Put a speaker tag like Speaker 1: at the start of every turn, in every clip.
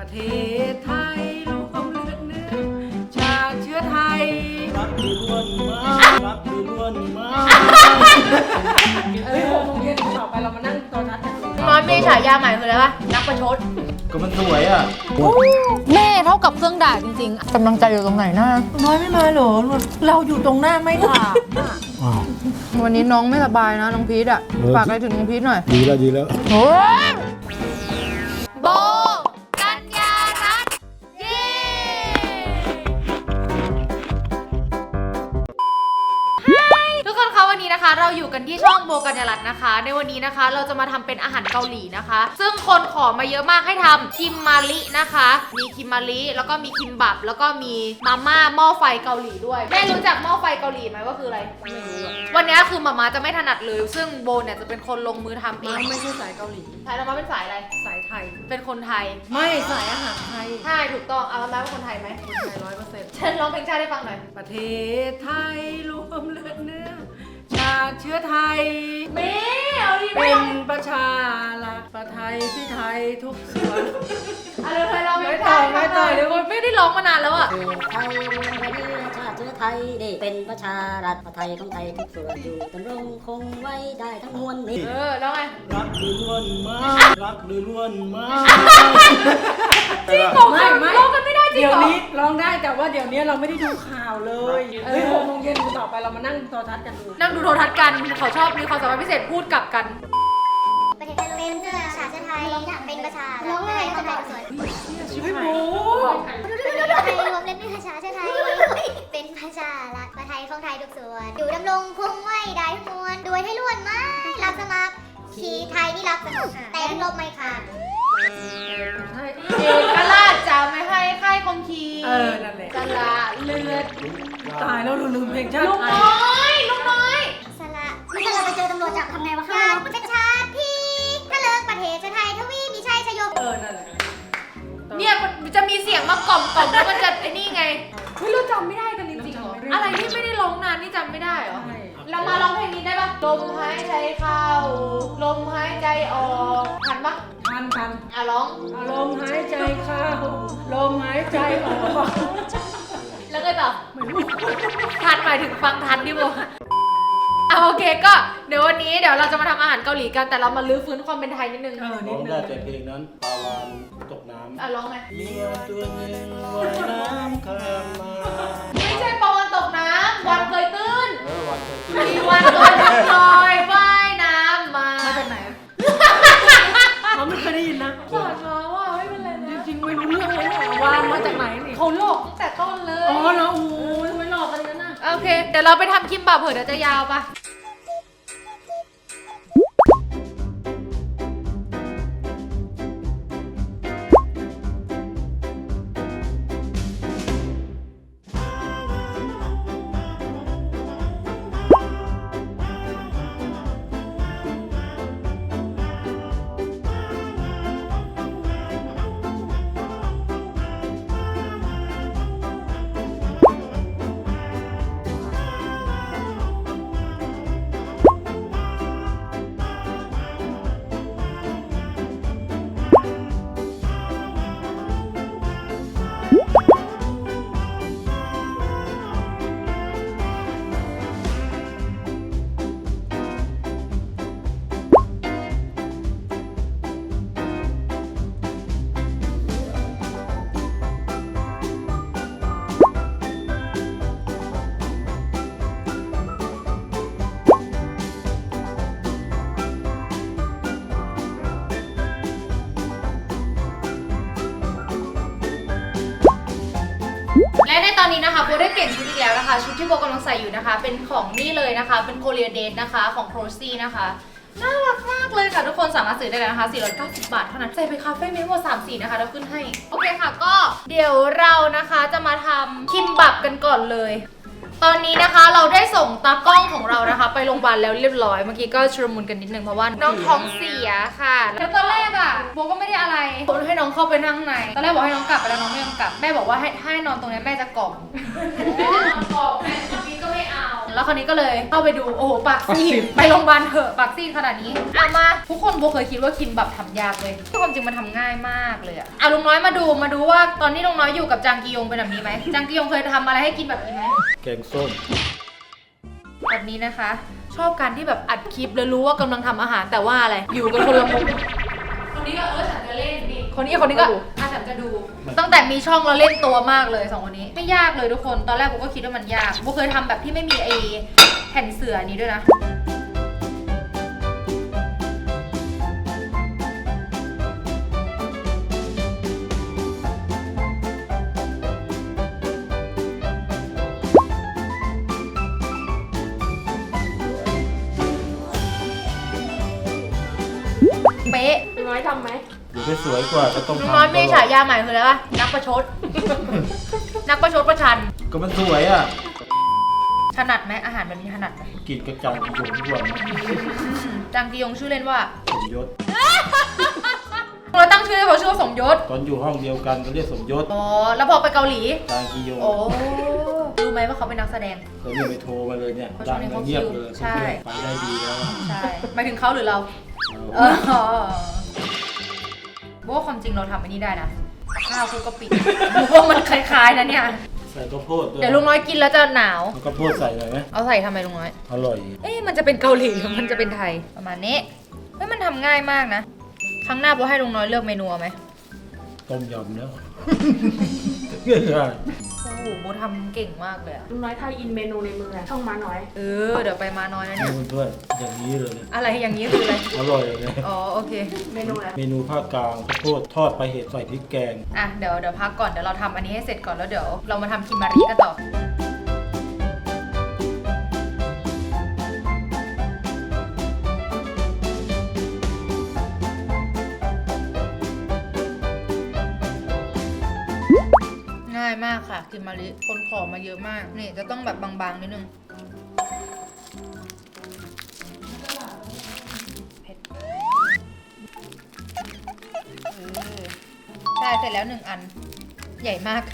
Speaker 1: ประเทศไทยรวมเลือดเนื้อชาติเชื้อไทยรักดีล้วนมารักดีล้วนมา6 โมงเย็นต่อไปเรามานั่งตอนนัดกัน
Speaker 2: น้อยมีฉายาใหม่คืออะไรวะนักประชด
Speaker 3: ก็มันสวยอ่ะ
Speaker 2: แม่เท่ากับเครื่องด่าจริงๆกำลังใจอยู่ตรงไหนนะ
Speaker 1: น้อยไม่มาเหรอเราอยู่ตรงหน้าไม่ด่า
Speaker 2: วันนี้น้องไม่สบายนะน้องพีทอ่ะฝากอะไรถึงน้องพีทหน่อย
Speaker 3: ดีแล้ว
Speaker 2: โอ้ยโบกัญญารัตน์เย้ทุกคนคะวันนี้นะคะเราอยู่กันที่ช่องโบกัญญารัตน์นะคะในวันนี้นะคะเราจะมาทำเป็นอาหารเกาหลีนะคะซึ่งคนขอมาเยอะมากให้ทำคิมมารินะคะมีคิมมาริแล้วก็มีคิมบับแล้วก็มีมาม่าหม้อไฟเกาหลีด้วยแม่รู้จักหม้อไฟเกาหลีไหมว่าคืออะไรไม่รู้วันนี้คือมาม่าจะไม่ถนัดเลยซึ่งโบเนี่ยจะเป็นคนลงมือทำเอง
Speaker 1: ไม่ใช่สายเกาหลี
Speaker 2: สายเรามาเป็นสายอะไร
Speaker 1: สายไทย
Speaker 2: เป็นคนไทย
Speaker 1: ไม่สายอาหารไทย
Speaker 2: ใช่ถูกต้องเอามาเป็นคนไทยไหม
Speaker 1: คนไทย100%
Speaker 2: เช่นร้องเพลงชาติให้ฟังหน่อย
Speaker 1: ประเทศไทยรวมเลือดเนื้อชาติเชื้อไทย
Speaker 2: มีเอาดี
Speaker 1: เป็นประชารัฐประไทยที่ไทยทุกส่วน
Speaker 2: อะไรเคยร้องไม่ต่อยเดี๋ยวไม่ได้ร้องมานานแล้วอ่ะ
Speaker 4: ไทยเรียนประเทศชาติเชื้อไทยนี่เป็นประชารัฐประไทยของไทยทุกส่วนอยู่ดำรงคงไว้ได้ทั้งมวลนี่
Speaker 2: ร้องไง
Speaker 3: รักดีล้วนมารักดีล้วนมา
Speaker 2: จริงเหรอไม่ร้องกันไม่ได้จริงเหรอ
Speaker 1: เดี๋ยวนี้ร้องได้แต่ว่าเดี๋ยวนี้เราไม่ได้ดูข่าวเลย6 โมงเย็นต่อไปเรามานั่งโทรทัศน์กันดู
Speaker 2: นั่งดูโทรทัศน์กันเขาชอบมีความสามารถพิเศษพูดกลับกัน
Speaker 5: ประเทศไทยเป็นประชาชาติไทยเป็นประชาร้องไห้คนไทยส่วน
Speaker 1: ไม่รู้
Speaker 5: ไทยรวมเล่นประชาชาติไทยเป็นประชารัฐประไทยของไทยทุกส่วนอยู่ดำรงคงไว้ได้ทุกมวลด้วยให้ล้วนมารับสมัครขี่ไทยนี่รับสมัครแต่ทั้งลบไม่ขาด
Speaker 2: เอกราชจะไม่ให้ค่ายคงคี
Speaker 1: นั่นแหละ
Speaker 2: สละเลือด
Speaker 1: ตายแล้วลืมเพลงชาติ
Speaker 2: ลุงน้อย
Speaker 5: สละนี่ถ้าเราไปเจอตำรวจจับทำไงวะคะอยากเป็นชาติพี่ถ้าเลิกประเทศชาติไทยทวีมีชัยชโย
Speaker 1: นั่นแหละ
Speaker 2: เนี่ยมันจะมีเสียงมากล่อมแล้วมันจะไอ้นี่ไงเราจำไม่ได้กันจริงๆเหรออะไรที่ไม่ได้ร้องนานนี่จำไม่ได้เหรอเรามาร้องเพลงนี้ได้ปะลมหายใจเข้าลมหายใจออกทันปะ
Speaker 1: ทัน
Speaker 2: ร้อง
Speaker 1: ลมหายใจเข้าลมหายใจออก
Speaker 2: แล้วก็ต่อทันหมายถึงฟังทันดิโบโอเคก็เดี๋ยววันนี้เราจะมาทำอาหารเกาหลีกันแต่เรามาลื้อฟื้นความเป็นไทยนิดนึง
Speaker 3: ร้องได้แต่เพลงนั้นปลาวานตกน้ำ
Speaker 2: ร้องไง
Speaker 3: เมียตัวหนึ่งว่ายน้ำข้ามมา
Speaker 2: ไม่ใช่ปลาวานตกน้ำวันเคยตื้น
Speaker 3: วันเคยตื้น
Speaker 2: มีวันตัวหนึ่งลอยว่ายน้ำมา
Speaker 1: จากไหนเขาไม่เคยได้ยินนะ
Speaker 2: สอนมาว่าไม่เป็นไรนะ
Speaker 1: จริงๆไม่รู้เรื่องเลยวางมาจากไหนนี่
Speaker 2: เขาหลอกตั้งแต่ต้นเลย
Speaker 1: เหรอโอ้โหทำไมหลอกกันงั้นน่ะ
Speaker 2: โอเคเดี๋ยวเราไปทำคิมบับเผื่อเดี๋ยวจะยาวปะและในตอนนี้นะคะโบได้เปลี่ยนชุดอีกแล้วนะคะชุดที่โบกำลังใส่อยู่นะคะเป็นของนี่เลยนะคะเป็นโคเรียเดทนะคะของโครซี่นะคะน่ารักมากเลยค่ะทุกคนสามารถซื้อได้เลยนะคะ490 บาทเท่านั้นใส่ไปคาเฟ่มีทั้งหมด3 สีนะคะเราขึ้นให้โอเคค่ะก็เดี๋ยวเรานะคะจะมาทำคิมบับกันก่อนเลยตอนนี้นะคะเราได้ส่งตากล้องของเรานะคะไปโรงพยาบาลแล้วเรียบร้อยเมื่อกี้ก็ชุลมุนกันนิดนึงเพราะว่าน้องท้องเสียค่ะแล้วตอนแรกโบก็ไม่ได้อะไรโบให้น้องเข้าไปนั่งในตอนแรกบอกให้น้องกลับไปแล้วน้องไม่ยอมกลับแม่บอกว่าให้นอนตรงนี้แม่จะกล่อมแม่เมื่อกี้ก็ไม่เอาแล้วคราวนี้ก็เลยเข้าไปดูโอ้โหปากซีดไปโรงพยาบาลเถอะปากซีดขนาดนี้มาทุกคนโบเคยคิดว่าคิมแบบทำยากเลยความจริงมันทำง่ายมากเลยอะลุงน้อยมาดูว่าตอนนี้ลุงน้อยอยู่กับจางกียงเป็นแบบนี้ไหมจางกียงเคยทำอะไรให้กินแบบนี้ไหม
Speaker 3: แกงส้ม
Speaker 2: แบบนี้นะคะ ชอบการที่แบบอัดคลิปแล้วรู้ว่ากำลังทำอาหารแต่ว่าอะไรอยู่กันคนละมุมคนนี้ก็ฉันจะเล่นดิคนนี้ก็ฉันจะดูตั้งแต่มีช่องเราเล่นตัวมากเลย2คนนี้ไม่ยากเลยทุกคนตอนแรกผมก็คิดว่ามันยากผมเคยทำแบบที่ไม่มีไอ้แผ่นเสื่อนี้ด้วยนะเป๊ะ
Speaker 1: ลุงน้อยทำไหม
Speaker 3: อยู่ที่สวยกว่าก็ต้อง
Speaker 2: ลุง
Speaker 3: ทำ
Speaker 2: น้อยมีฉายาใหม่คืออะไรวะนักประชด นักประชดประชัน
Speaker 3: ก็มันสวยอ่ะ
Speaker 2: ถนัดไหมอาหารแบบนี้ถนัดไหม
Speaker 3: กินกระจังกินหยงหยวน
Speaker 2: จางกียงชื่อเล่นว่า
Speaker 3: สมยศ
Speaker 2: เราตั้งชื่อให้เขาชื่อว่าสมยศ
Speaker 3: ตอนอยู่ห้องเดียวกันก็เรียกสมยศ
Speaker 2: อ๋อแล้วพอไปเกาหลี
Speaker 3: จางกีโยง
Speaker 2: โอ้รู้ไหมว่าเขาเป็นนักแสดง
Speaker 3: เขาเนี่ยไปโทรมาเลยเนี่ย
Speaker 2: เขาช่
Speaker 3: ดั
Speaker 2: ว
Speaker 3: ง
Speaker 2: งนี้
Speaker 3: แล้
Speaker 2: เขา
Speaker 3: วเงียบเลย
Speaker 2: ใช่
Speaker 3: ไปได้ดีแล้ว
Speaker 2: ใช่หมายถึงเขาหรือเรา เออว่าความจริงเราทำอันนี้ได้นะข้าวคลุกกะปิว่ามันคล้ายๆนะเนี่ย
Speaker 3: ใส่ข้าวโพดด้วย
Speaker 2: เดี๋ยวลุงน้อยกินแล้วจะหนาว
Speaker 3: เอาข้าวโพดใส่หน่อยไหม
Speaker 2: เอาใส่ทำไมลุงน้อย
Speaker 3: อร่อย
Speaker 2: เอ๊ะมันจะเป็นเกาหลีหรือมันจะเป็นไทยประมาณนี้เฮ้ยมันทำง่ายมากนะครั้งหน้าโบให้ลุงน้อยเลือกเมนูเอาไหม
Speaker 3: ต้มยำแล้ว
Speaker 2: โอ้โหโบทำเก่งมากเลยอะ
Speaker 1: ลุงน้อยไทยอินเมนูในมืออะช่องมาน้อย
Speaker 2: เออเดี๋ยวไปมาน้อยนะเนี่ย
Speaker 3: เพื่อนๆอย่างนี้เลยเนี่ย
Speaker 2: อะไรอย่างนี้คืออะไร
Speaker 3: อร่อยเลย
Speaker 2: อ๋อโอเค
Speaker 1: เมนูอะไร
Speaker 3: เมนูภาคกลางข้าวโพดทอดปลาเห็ดใส่พริกแกง
Speaker 2: อ่ะเดี๋ยวพักก่อนเดี๋ยวเราทำอันนี้ให้เสร็จก่อนแล้วเดี๋ยวเรามาทำคิมมารีกันต่อง่ายมากค่ะคิมมารีคนขอมาเยอะมากนี่จะต้องแบบบางๆนิดนึงเผ็ดใช่เสร็จแล้ว1 อันใหญ่มาก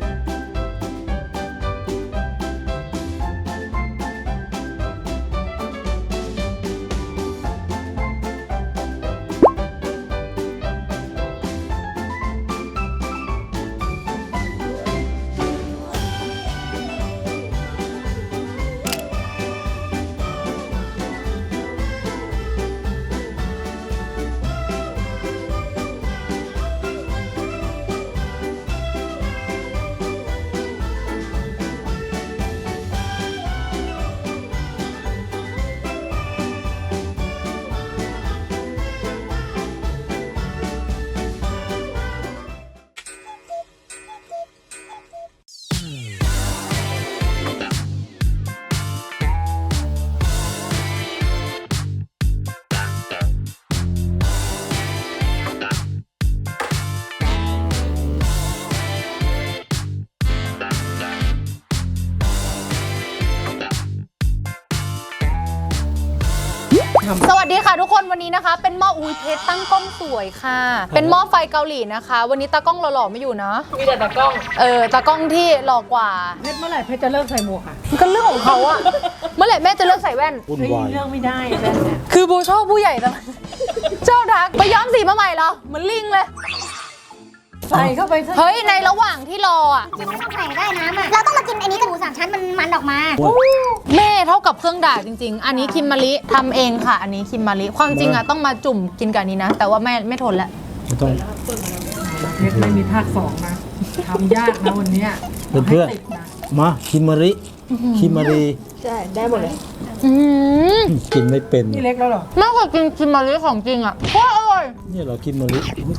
Speaker 2: สวัสดีค่ะทุกคนวันนี้นะคะ เป็นหม้ออุ้ยเพชรตั้งกล้องสวยค่ะ เป็นหม้อไฟเกาหลีนะคะ วันนี้ตากล้องหล่อๆไม่อยู่นะ
Speaker 1: มีแต่ตากล้อง
Speaker 2: ตากล้องที่หล่อกว่า
Speaker 1: เพชรเมื่อไหร่เพชรจะเลิกใส่หมวกอ่ะ
Speaker 2: ก็เรื่องของเขาอะเมื่อไหร่แม่จะเลิกใส่แว่น
Speaker 3: วุ่น
Speaker 1: เฮ้ยว
Speaker 3: าย
Speaker 1: เรื่องไม่ได้แว่นเนี่ย
Speaker 2: คือบูชอบผู้ใหญ่ตลอดชอบทักไปย้อมสีมาใหม่เหรอเหมือนลิงเลย
Speaker 1: ใส่เข้าไปซะ
Speaker 2: เฮ้ยในระหว่างที่รออะ
Speaker 5: มันต้องใส่ได้น้ำอ่ะ เราต้องมากินอันนี้กับหมู3 ชั้นมันออกมา
Speaker 2: แม่เท่ากับเครื่องด่าจริง ๆ อันนี้คิมมาริทำเองค่ะ อันนี้คิมมาริความจริงอะต้องมาจุ่มกินกับอันนี้นะ แต่ว่าแม่ไม่ทนแล้ว
Speaker 3: ไม่ต้อง
Speaker 1: เพชรไม่มีภาค2นะทำยากนะวันเนี้ย
Speaker 3: เพื่อน
Speaker 1: ให้ติดนะ
Speaker 3: มาคิมมาริคิมมารี
Speaker 1: ใช่ได้หมดเลย
Speaker 2: อืม
Speaker 3: กินไม่เป็น
Speaker 1: นี่เล็กแล้วเหรอ
Speaker 2: มากกว่ากินคิมมาริของจริงอะโคตรอร่อย
Speaker 3: เนี่ยเหราคิมมาริ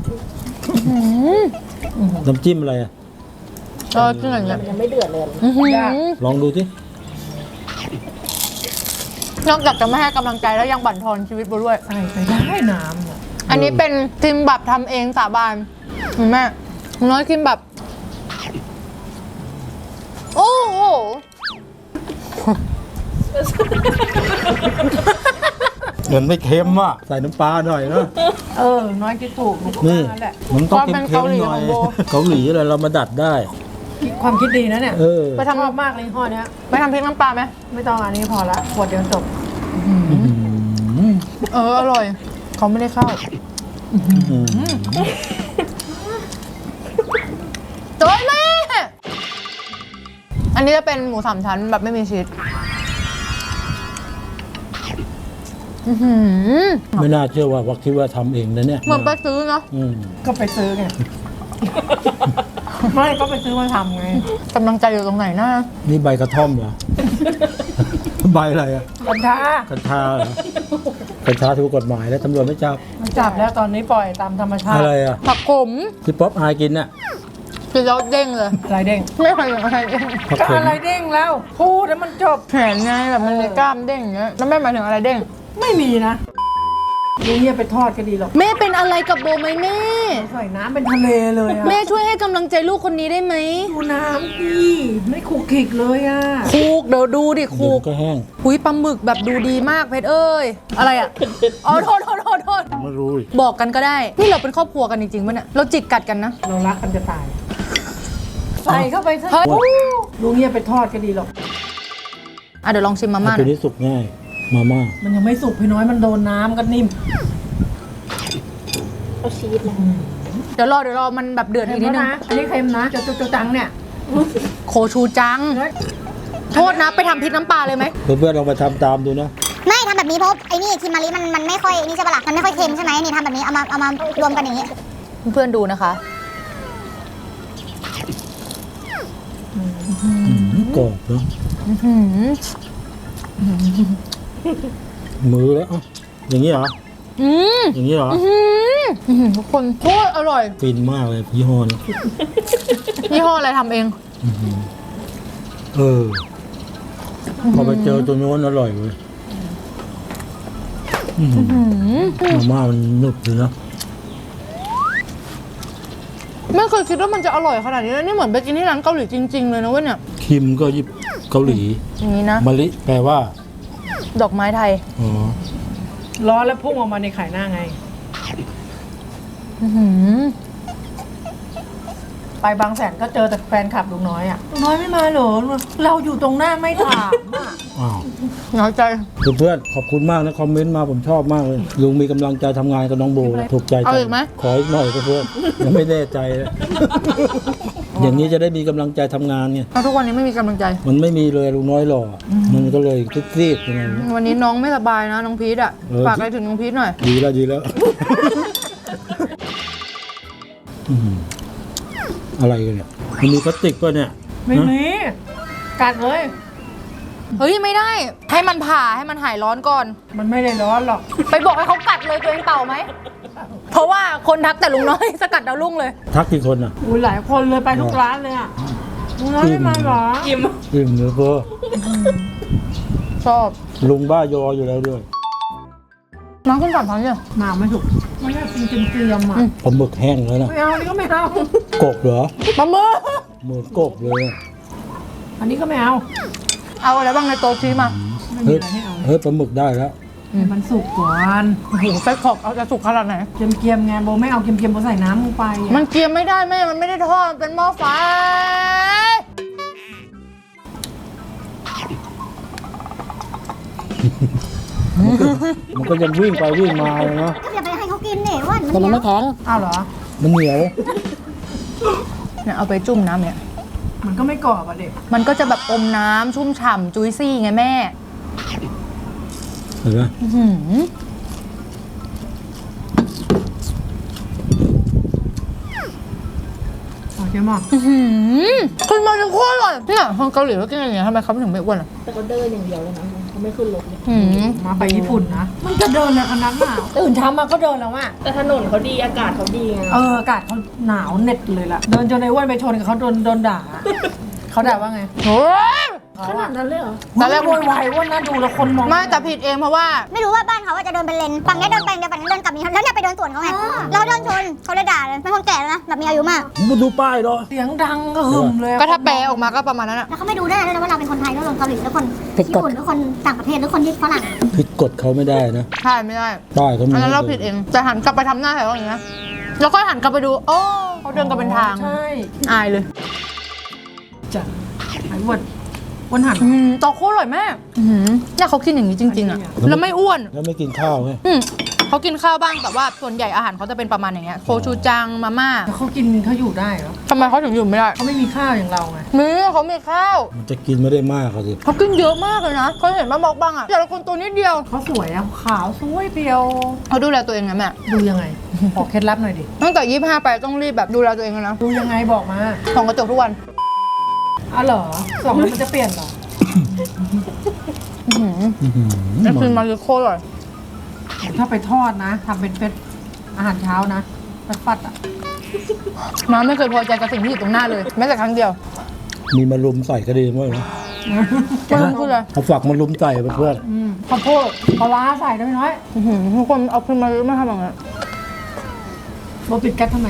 Speaker 3: น้ำจิ้มอะไรอ่ะ
Speaker 2: กินอย่างเงี้ย
Speaker 1: ยังไม่เดือดเลย
Speaker 2: ยาก
Speaker 3: ลองดูสิ
Speaker 2: นอกจากจะไม่ให้กำลังใจแล้วยังบั่นทอนชีวิตโบด้วย
Speaker 1: ใส่ไปได้น้ำอะ
Speaker 2: อันนี้เป็นคิมแบบทำเองสาบานเห็นไหมน้อยคิมแบบ โอ้โห
Speaker 3: เหมือนไม่เค็มอ่ะใส่น้ำปลาหน่อยนะ
Speaker 1: น้อยคิดถูกหนูก็
Speaker 3: นี่
Speaker 1: ว่าแหละ
Speaker 3: มันต้อง
Speaker 2: ความเป็น
Speaker 3: เค็ม
Speaker 2: เกาหลี
Speaker 3: ๆหน่อย
Speaker 2: ของโบ
Speaker 3: เกาหลีอะไรเรามาดัดได้
Speaker 1: ความคิดดีนะเนี่ย
Speaker 6: ไปทำ
Speaker 1: ชอบมากเลยยี่ห้อเนี้ย
Speaker 6: ไปทำพริกน้ำปลาไหม
Speaker 1: ไม่ต้องอันนี้พอละขวดเดียวจบ
Speaker 6: อร่อยเขาไม่ได้เข้าโจ้ยแม่อันนี้จะเป็นหมู3 ชั้นแบบไม่มีชีส
Speaker 3: ไม่น่าเชื่อว่าคิดว่าทำเองนะเนี่ย
Speaker 6: เหมือนไปซื้อเนาะ
Speaker 1: ก็ไปซื้อไง ไม่ก็ไปซื้อมาทำไง
Speaker 6: กำลังใจอยู่ตรงไหนนะ
Speaker 3: นี่ใบกระท่อมเหรอ ใบอะไรอ่ะ
Speaker 1: กัญชา
Speaker 3: กัญชาเหรอกัญชาถูกกฎหมายแล้วตำรวจไม่จับ
Speaker 1: มันจับแล้วตอนนี้ปล่อยตามธรรมชาติ
Speaker 3: อะไรอ่ะ
Speaker 6: ผักขม
Speaker 3: ที่ป๊อปอายกินน่ะ
Speaker 6: กินแล้วเด้งเลย
Speaker 1: อะไรเด้ง
Speaker 6: ไม่เคยเห็นอะไรเด้ง
Speaker 3: ผัก
Speaker 1: ก็
Speaker 3: ขม
Speaker 1: อะไรเด้งแล้ว พูดแล้วมันจบ
Speaker 6: แขนไงแบบมันมีกล้ามเด้งอย่างเงี้ยแล้วแม่หมายถึงอะไรเด้ง
Speaker 1: ไม่มีนะลุงเนี่ยไปทอดก็ดีหรอก
Speaker 6: แม่เป็นอะไรกับโบไหมแม่
Speaker 1: ใส่น้ำเป็นทะเลเลยอะ
Speaker 6: แม่ช่วยให้กำลังใจลูกคนนี้ได้ไหม
Speaker 1: ดูน้ำดิไม่คุกคิกเลยอะ
Speaker 6: คูกเดี๋ยวดูดิ
Speaker 3: เดี๋
Speaker 6: คู
Speaker 3: ยว
Speaker 6: ก
Speaker 3: ก็แห้ง
Speaker 6: หุยปลาหมึกแบบดูดีมากเพชรเอ้ยอะไรอ่ะอ๋อโทษ
Speaker 3: ไม่รู้อีก
Speaker 6: บอกกันก็ได้นี่เราเป็นครอบครัวกันจริงๆป่ะเนี่ยเราจิกกัดกันนะ
Speaker 1: เรารักกันจะตาย ใส่เข้าไปซะ
Speaker 6: เฮ้ย
Speaker 1: ลุงเนี่ยไปทอดก็ดีหรอก
Speaker 6: อ่ะเดี๋ยวลองชิมมาม่าห
Speaker 3: ตัว
Speaker 6: น่อย
Speaker 3: นี้สุกง่าย มาม่า
Speaker 1: มันยังไม่สุกพี่น้อยมันโดนน้ำกันนิ่ม
Speaker 6: เดี๋ยวรอมันแบบเดือด
Speaker 1: เค็
Speaker 6: อี
Speaker 1: ม
Speaker 6: กนิด
Speaker 1: แล้ว
Speaker 6: นึง
Speaker 1: นะอันนี้เค็มนะจะจังเนี่ย
Speaker 6: โคชูจัง โทษนะไปทำพริกน้ำปลาเลยไหม
Speaker 3: เพื่อนๆลองไปทำตามดูนะ
Speaker 5: ไม่ทำแบบนี้เพราะไอ้นี่คิมมารีมันไม่ค่อยนี่ใช่ปะล่ะมันไม่ค่อยเค็มใช่ไหมนี่ทำแบบนี้เอามารวมกันอย่างนี้
Speaker 6: เพื่อนๆดูนะคะ
Speaker 3: กรอบเนาะมือแล้วอ่ะอย่างนี้เหรอ
Speaker 6: อืม
Speaker 3: อย่างนี้เหรอ
Speaker 6: ทุกคนโคตรอร่อย
Speaker 3: ฟินมากเลยยี่ห้อนี้
Speaker 6: ยี่ห้ออะไรทำเอง
Speaker 3: เออพอไปเจอตัวโน้นอร่อยเลยมาม่ามันหนุบเลยนะ
Speaker 6: ไม่เคยคิดว่ามันจะอร่อยขนาดนี้นะนี่เหมือนไปกินที่ร้านเกาหลีจริงๆเลยนะเว้ยเนี่ย
Speaker 3: คิมก็ญี่ปุ่นเกาหลี
Speaker 6: อย่างนี้นะ
Speaker 3: มะลิแปลว่า
Speaker 6: ดอกไม้ไทย
Speaker 3: อ๋อ
Speaker 1: ร้อนแล้วพุ่งออกมาในไข่หน้าไง ไปบางแสนก็เจอแต่แฟนคลับลุงน้อยอะลุงน้อยไม่มาเหรอเราอยู่ตรงหน้าไม่ถามอะ
Speaker 3: อ้าว
Speaker 6: น้อยใจ
Speaker 3: เพื่อนๆขอบคุณมากนะคอมเมนต์มาผมชอบมากเลยลุงมีกำลังใจทำงานกับน้องโบถูกใจ
Speaker 6: เอาอีกไหม
Speaker 3: ขออีกหน่อยเพื่อนๆยังไม่แน่ใจเลยอย่างนี้จะได้มีกำลังใจทำงานไง
Speaker 6: เพราะทุกวันนี้ไม่มีกำลังใจ
Speaker 3: มันไม่มีเลยลุงน้อยหล่อมันก็เลยซีดๆยังไง
Speaker 6: วันนี้น้องไม่สบายนะน้องพีทอ่ะ ฝากอะไรถึงน้องพีทหน่อย
Speaker 3: ดีแล้วดีแล้ว อะไรกันเนี่ยมันมีพลาสติกป่ะเนี่ย
Speaker 1: ไม่มีกัดเลย
Speaker 6: เฮ้ยไม่ได้ ให้มันผ่าให้มันหายร้อนก่อน
Speaker 1: มันไม่ได้ร้อนหรอก
Speaker 6: ไปบอกให้เขากัดเลยตัวเองเป่าไหม เพราะว่าคนทักแต่ลุงน้อย สกัดดาวรุ่งเลย
Speaker 3: ทักกี่คนอ่ะ
Speaker 1: อุ้ยหลายคนเลยไปทุกร้านเลยอะลุงน้อยไม่มาเหรอ
Speaker 3: อิ่มเลยเพื่อ
Speaker 6: ชอบ
Speaker 3: ลุงบ้ายออยู่แล้วด้วย
Speaker 6: น้องขึ้นก่อนพันเนี่ย
Speaker 1: มาไม่ถูกไม่ได้กินเกรียมๆอะ
Speaker 3: ผมหมึกแห้งแล้วนะ
Speaker 1: ไม่เอาอันนี้ก็ไม่เอา
Speaker 3: กบเหรอ
Speaker 6: ปลาหมึก
Speaker 3: หมึกกบเลยอะ
Speaker 1: อันนี้ก็ไม่เอา
Speaker 6: เอาอะไรบ้างในโต๊ะชี้มา
Speaker 1: ไม่มี
Speaker 3: เฮ้ย
Speaker 1: อะไรให้เอา
Speaker 3: เฮ้ยปลาหมึกได้แล้ว
Speaker 1: ให้มันสุกก่อน
Speaker 6: โอ้โหไส้กรอกเอาจะสุกขนาดไหน
Speaker 1: เกรียมๆไงโบไม่เอาเกรียมๆโบใส่น้ำลงไปอะ
Speaker 6: มันเกรียมไม่ได้แม่ มันไม่ได้ทอดมันเป็นหม้อไฟ
Speaker 3: มันก็ยังวิ่งไปวิ่งมาเลยเนาะ
Speaker 5: ก็อย่าไปให้เขากินเนี่ยว่า
Speaker 4: เดี๋ยวมันไม่แข็ง
Speaker 1: อ้าวเหรอ
Speaker 3: มันเหนียว
Speaker 6: เนี่ยเอาไปจุ่มน้ำเนี่ย
Speaker 1: มันก็ไม่กรอบอ่ะเด็ก
Speaker 6: มันก็จะแบบอมน้ำชุ่มฉ่ำจุยซี่ไงแม่
Speaker 3: เห็นไหม
Speaker 6: อื้อหือ
Speaker 1: โอเคมั้ง
Speaker 6: อื้อหือขึ้นมาจะโคตรอร่อยเนี่ยคนเกาหลีเขากินอย่างเงี้ยทำไมเขาถึงไม่อ้วนอ่ะ
Speaker 7: แต่เขาเดินอย่างเดียวเลยนะเขาไม่ขึ้นรถเลย
Speaker 6: อื้อหือ
Speaker 1: มาไปญี่ปุ่นนะ มันจะเดินเลยคณะหนาวตื่นเช้ามาก็เดินแล้วอ่ะ
Speaker 7: แต่ถนนเขาดีอากาศเขาดีไง
Speaker 1: อากาศเขาหนาวเหน็ดเลยล่ะ เดินจนไอ้อ้วนไปชนกับเขาโดนด่า เขาด่าว่าไง
Speaker 6: โอ้ย
Speaker 7: ขนาดนั้นเลยเหรอ
Speaker 6: ตอนแรก
Speaker 1: โวยวายอ้วนนะดูแล้วคนมอง
Speaker 6: ไม่แต่ผิดเองเพราะว่า
Speaker 5: ไม่รู้ว่าบ้านเขาว่าจะเดินเป็นเลนฝั่งนี้เดินไปเดี๋ยวฝั่งนี้เดินกลับมีแล้วเนี่ยไปเดินสวนเขาไงเราเดินชนเขาเลยด่าเลยเป็นคนแก่แล้วนะแบบมีอายุมาก
Speaker 3: มึงดูป้ายเหรอ
Speaker 1: เสียงดังก็หึมเลย
Speaker 6: ก็ถ้าแปลออกมาก็ประมาณนั้นอะ
Speaker 5: แล้วเขาไม่ดูได้ด้วยนะว่าเราเป็นคนไทยแล้วคนเกาหลีแล้วคน
Speaker 4: ผิด
Speaker 5: ญี่
Speaker 4: กฎ
Speaker 5: ปุ่นหรือคนต่างประเทศหรือคนที่ฝรั่ง
Speaker 3: ผิดกฎเขาไม่ได้นะ
Speaker 6: ใช่ไม่ได้
Speaker 3: ป้ายเขามี
Speaker 6: อันนั้นเราผิดเองแต่หันกลับไปทำหน้าแถวอย่างเงี้ยแล้วก็หันกลับไปดูโอ้เขาเดินกันเป็นทาง
Speaker 1: ใช่
Speaker 6: อายเลย
Speaker 1: จ้ะหายอ้วนหัน
Speaker 6: ตอโคตรอร่อยมากเนี่ยเขากินอย่างนี้จริงๆอะแล้วไม่อ้วน
Speaker 3: แล้วไม่กินข้าวไง
Speaker 6: เขากินข้าวบ้างแต่ว่าส่วนใหญ่อาหารเขาจะเป็นประมาณอย่างเงี้ยโคชูจังมาม่า
Speaker 1: แล้วเขากินเขาอยู่ได้เหรอ
Speaker 6: ทำไมเขาถึงอยู่ไม่ได้
Speaker 1: เขาไม่มีข้าวอย่างเราไง
Speaker 6: มีเขามีข้าว
Speaker 3: มันจะกินไม่ได้มากเขาสิ
Speaker 6: เขากินเยอะมากเลยนะเขาเห็นมาบอกบ้างอะแต่ละคนตัวนิดเดียว
Speaker 1: เขาสวยอะขาวสวยเปรียว
Speaker 6: เขาดูแลตัวเองนะแม่
Speaker 1: ดูยังไงบอกเคล็ดลับหน่อยดิ
Speaker 6: ตั้งแต่25ไปต้องรีบแบบดูแลตัวเองแล้วนะ
Speaker 1: ดูยังไงบอกมา
Speaker 6: ส่องกระจกทุกวัน
Speaker 1: อ๋อเหรอสองแล้วมันจะเปลี่ยนเหรอ
Speaker 6: นั่นคือมาริโคตรอร่อย
Speaker 1: ถ้าไปทอดนะทำเป็นเป็ดอาหารเช้านะฟัดๆอ่ะ
Speaker 6: น้ำไม่เคยพอใจกับสิ่งที่อยู่ตรงหน้าเลยแม้แต่ครั้งเดียว
Speaker 3: มีมารุมใส่ก็ดีมั้ยนะ
Speaker 6: ไม่ต้องพูดเลย
Speaker 3: เอาฝักมารุมใส่เพื่อน
Speaker 1: ข้าวโพดปลาร้าใส่ได้น้อย
Speaker 6: ทุกคนเอาขึ้นมาไม่ทำอย่างนั้น
Speaker 1: โบปิดแก๊สทำไม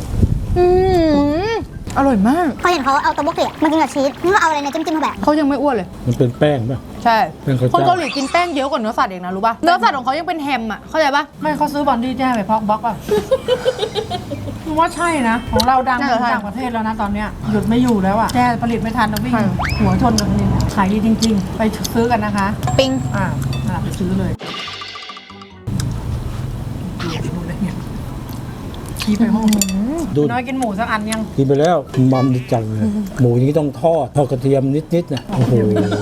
Speaker 6: อร่อยมาก
Speaker 5: เขาเห็นเขาเอาตัวบุกเกะมากินกับชีสนี่ว่าเอาอะไรเนี่ยจิ้มๆเข้าไป
Speaker 6: เขายังไม่อ้วนเลย
Speaker 3: มันเป็นแป้งป่ะ
Speaker 6: ใช่
Speaker 3: เป็นข้าว
Speaker 6: คน
Speaker 3: เจ้า
Speaker 6: เกาหลีกินแป้งเยอะกว่าเนื้อสัตว์เองนะรู้ป่ะ เนื้อสัตว์ของเขายังเป็นแฮมอ่ะ เข้าใจป่ะ
Speaker 1: ไม่เขาซื้อบอนดี้แจ้ไปพอกบล็อกอ่ะผมว่าใช่นะ ของเราดัง
Speaker 6: น่าจะใช่
Speaker 1: ต่างประเทศแล้วนะตอนเนี้ยหยุดไม่อยู่แล้วอ่ะแจ้ผลิตไม่ทันเราวิ่ง
Speaker 6: ใช่
Speaker 1: หัวชนกับผลิตขายดีจริง ๆ ไปซื้อกันนะคะ
Speaker 6: ปิง
Speaker 1: ไปซื้อเลยดูได้ไงขี้ไปห้อง
Speaker 3: ดู
Speaker 1: น้อยกินหมูสักอันยัง
Speaker 3: กินไปแล้วมัมดิจังเลยหมูอย่างนี้ต้องทอดกระเทียมนิดๆนะโอ้โห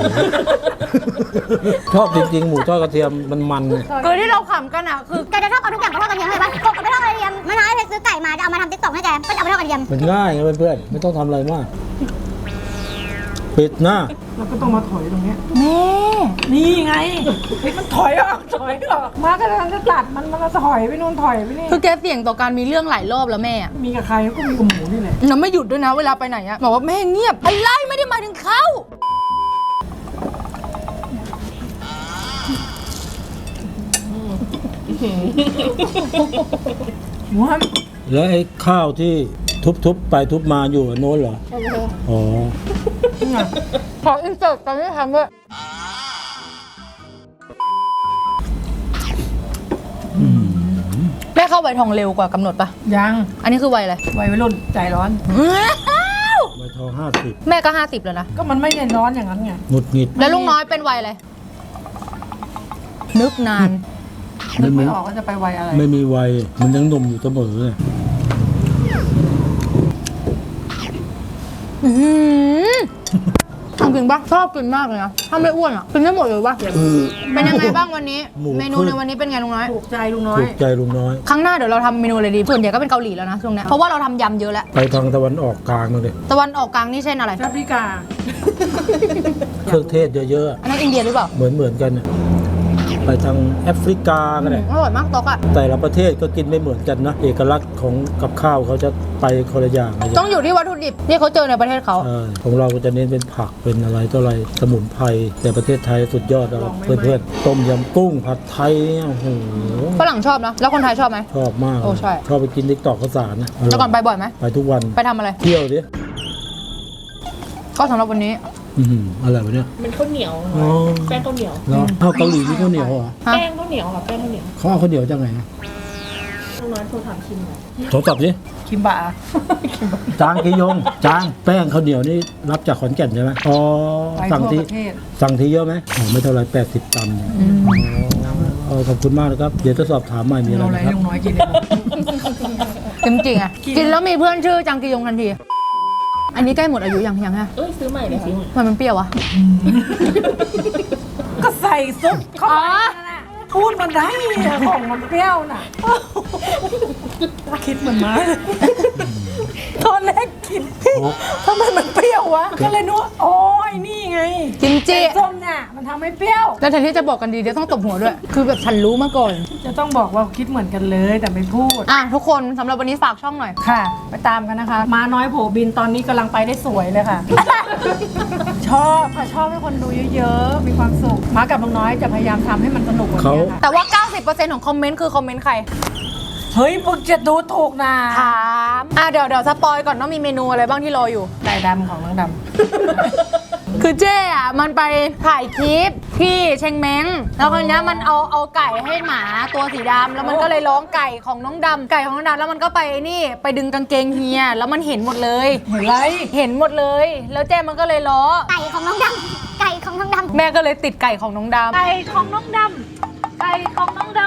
Speaker 3: ชอบจริงๆ หมูทอดกระเทียมมันๆเนี่ย
Speaker 6: คือที่เราขำกันอ่ะคือ
Speaker 5: แกจะชอบเอาทุกอย่างไปทอดกระเทียมเลยปะกบไปทอดกระเทียมไม่น้อยเพชรซื้อไก่มาจะเอามาทำติ๊กต็อกให้แกก็จะเอาไปทอดกระเทียม
Speaker 3: มันง่ายไงเพื่อนๆไม่ต้องทำอะไรมาก ปิดหน้า
Speaker 1: แล้วก็ต้องมาถอยตรงเนี้ย
Speaker 6: แม่
Speaker 1: นี่ไงเฮ้ยมันถอยออกมาก็เลยจะตัดมันก็ถอยไปนู่นถอยไปนี่
Speaker 6: คือแกเสี่ยงต่อการมีเรื่องหลายรอบแล้วแม่อะ
Speaker 1: มีกับใครก็มีกับหมูนี่แหละ
Speaker 6: เราไม่หยุดด้วยนะเวลาไปไหนอะบอกว่าแม่เงียบอะไรไม่ได้หมายถึงเขา
Speaker 1: หัว
Speaker 3: แล้วไอ้ข้าวที่ทุบๆไปทุบมาอยู่อันโน้นเหรอ อ๋อ
Speaker 6: ขออินเสิร์ตตอนที่ทำด้วยแม่เข้าไวทองเร็วกว่ากำหนดปะ
Speaker 1: ยัง
Speaker 6: อันนี้คือไวอะไร
Speaker 1: วัยรุ่นใจร้อน
Speaker 3: ใบทอง50
Speaker 6: แม่ก็50แล้วนะ
Speaker 1: ก็มันไม่ได้ร้อนอย่างนั้นไง
Speaker 3: หงุดหงิด
Speaker 6: แล้วลุงน้อยเป็นวัยอะไร นึกนาน
Speaker 1: นึกไม่ออกว่าจะไปวัยอะไร
Speaker 3: ไม่มีวัยมันยังหนุ่มอยู่เสมอเลย
Speaker 6: ทำกินปะชอบกินมากเลยนะ ถ้าไม่อ้วนอ่ะ กินได้หมดเลยปะเป็นยังไงบ้างวันนี้ เมนูในวันนี้เป็นไงลุงน้อย
Speaker 1: ถูกใจลุงน้อย
Speaker 3: ถูกใจลุงน้อย
Speaker 6: ครั้งหน้าเดี๋ยวเราทำเมนูอะไรดี ส่วนใหญ่ก็เป็นเกาหลีแล้วนะช่วงเนี้ยเพราะว่าเราทำยำเยอะแล้ว
Speaker 3: ไปทางตะวันออกกลางมาเลย
Speaker 6: ตะวันออกกลางนี่เช่นอะไร
Speaker 1: แอฟริกา
Speaker 3: เครื่องเทศเยอะ
Speaker 6: อันนั้นอินเดียหรือเปล่า
Speaker 3: ๆ เหมือนกันน่ะไปทางแอฟริกาก็ได้
Speaker 6: อร่อยมากตอกอ่ะ
Speaker 3: แต่ละประเทศก็กินไม่เหมือนกันนะ เอกลักษณ์ของกับข้าวเขาจะไปคนละอย่างเลย
Speaker 6: ต้องอยู่ที่วัตถุดิบที่เขาเจอในประเทศเขา
Speaker 3: ใช่ของเราก็จะเน้นเป็นผักเป็นอะไรต่ออะไรสมุนไพรแต่ประเทศไทยสุดยอดแล้วเพื่อนๆต้มยำกุ้งผัดไทยเนี่ยโอ้โห
Speaker 6: ฝรั่งชอบนะ แล้วคนไทยชอบไหม
Speaker 3: ชอบมาก
Speaker 6: โอ้ใช่
Speaker 3: ชอบไปกินติ๊กตอกข้าวสารนะ
Speaker 6: แล้วก่อนไปบ่อยไหม
Speaker 3: ไปทุกวัน
Speaker 6: ไปทำอะไร
Speaker 3: เที่ยวดิ
Speaker 6: ก็สำหรับวันนี้
Speaker 3: อะไรวะเนี่ย
Speaker 7: เป็นข้าวเหนียว
Speaker 3: อ๋อ
Speaker 7: แป้งข้าวเหนียว
Speaker 3: แล้วข้าวเกาหลีนี่ข้าวเหนียวเหรอ
Speaker 6: ฮะ
Speaker 7: แป้งข้าวเหนียวค่ะแป้งข้าวเหนียว
Speaker 3: เขาเอาข้าวเหนียวจากไหนอะ
Speaker 7: ลุงน้อยโทรถามคิมหน่อย
Speaker 3: โทรศัพท์สิ
Speaker 1: คิมบะ
Speaker 3: จางกิยงจางแป้งข้าวเหนียวนี่รับจากขอนแก่นใช่ไหมอ๋อ
Speaker 1: ไป
Speaker 3: สั่ง
Speaker 1: ทั่ว
Speaker 3: ที
Speaker 1: ประเทศ
Speaker 3: สั่งทีเยอะไหมอ๋อไม่เท่าไร80 ตันขอบคุณมากนะครับ เดี๋ยวจะสอบถามใหม่มีอะไร
Speaker 1: เราอะไร
Speaker 3: นะครับ
Speaker 1: ลุงน้อยกินได้หมด
Speaker 6: จริงๆอ่ะ กินแล้วมีเพื่อนชื่อจังกิยงทันที อันนี้ใกล้หมดอายุยังฮะ
Speaker 7: เอ้ยซื้อใหม่เลยค่ะ
Speaker 6: ทำไมมันเปรี้ยววะ
Speaker 1: ก็ใส่ซุปเข้าไปนั่นน่ะพูดมันได้อะของมันเปรี้ยวน่ะคิดเหมือนม้าเลยตอนแรกคิดทำไมมันเปรี้ยววะก็เลยนึกว่าโอ้ยนี่ไง
Speaker 6: กิมจิ
Speaker 1: ส้มเนี่ยมันทำให้เปรี้ยว
Speaker 6: แล้วแทนที่จะบอกกันดีเดี๋ยวต้องตบหัวด้วย คือแบบฉันรู้มาก่อน
Speaker 1: จะต้องบอกว่าคิดเหมือนกันเลยแต่ไม่พูด
Speaker 6: อ่ะทุกคนสำหรับวันนี้ฝากช่องหน่อย
Speaker 1: ค่ะ ไปตามกันนะคะ มาน้อยโผบินตอนนี้กำลังไปได้สวยเลยค่ะ ชอบค่ะชอบให้คนดูเยอะๆ มีความสุขมากับลุงน้อยจะพยายามทำให้มันสนุกกว่านี้ค่ะ
Speaker 6: แต่ว่า 90%ของคอมเมนต์คือคอมเมนต์ใคร
Speaker 1: เฮ้ยมึงจะดูถูกนะ
Speaker 6: ถาม เดี๋ยวสปอยก่อนต้องมีเมนูอะไรบ้างที่รออยู่
Speaker 1: ไก่ดำของน้องดำ
Speaker 6: คือเจ๊อะมันไปถ่ายคลิปที่เชงเม้งแล้วคราวเนี้ยมันเอาไก่ให้หมาตัวสีดำแล้วมันก็เลยร้องไก่ของน้องดำแล้วมันก็ไปนี่ไปดึงกางเกงเฮียแล้วมันเห็นหมดเลย
Speaker 1: เห็นไร
Speaker 6: เห็นหมดเลย แล้วเจ๊มันก็เลยล้อ
Speaker 5: ไก่ของน้องดำไก่ของน้องดำ
Speaker 6: แม่ก็เลยติดไก่ของน้องดำ
Speaker 2: ไก่ของน้องดำไก่ของน้องดำ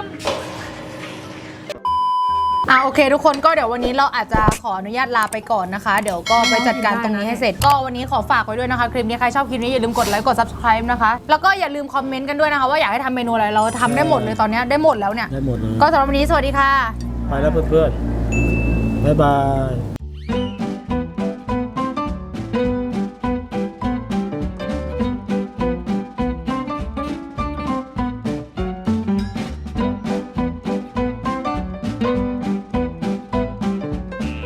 Speaker 6: โอเคทุกคนก็เดี๋ยววันนี้เราอาจจะขออนุญาตลาไปก่อนนะคะ เดี๋ยวก็ไปจัดการตรงนี้ให้เสร็จก็วันนี้ขอฝากไว้ด้วยนะคะคลิปนี้ใครชอบคลิปนี้อย่าลืมกดไลค์กด subscribe นะคะแล้วก็อย่าลืมคอมเมนต์กันด้วยนะคะว่าอยากให้ทำเมนูอะไรเราทำได้หมดเลยตอนนี้ได้หมดแล้วเนี่ย
Speaker 3: ได้หมดเลย
Speaker 6: ก็สำหรับวันนี้สวัสดีค่ะ
Speaker 3: ไปแล้วเพื่อนๆบ๊ายบาย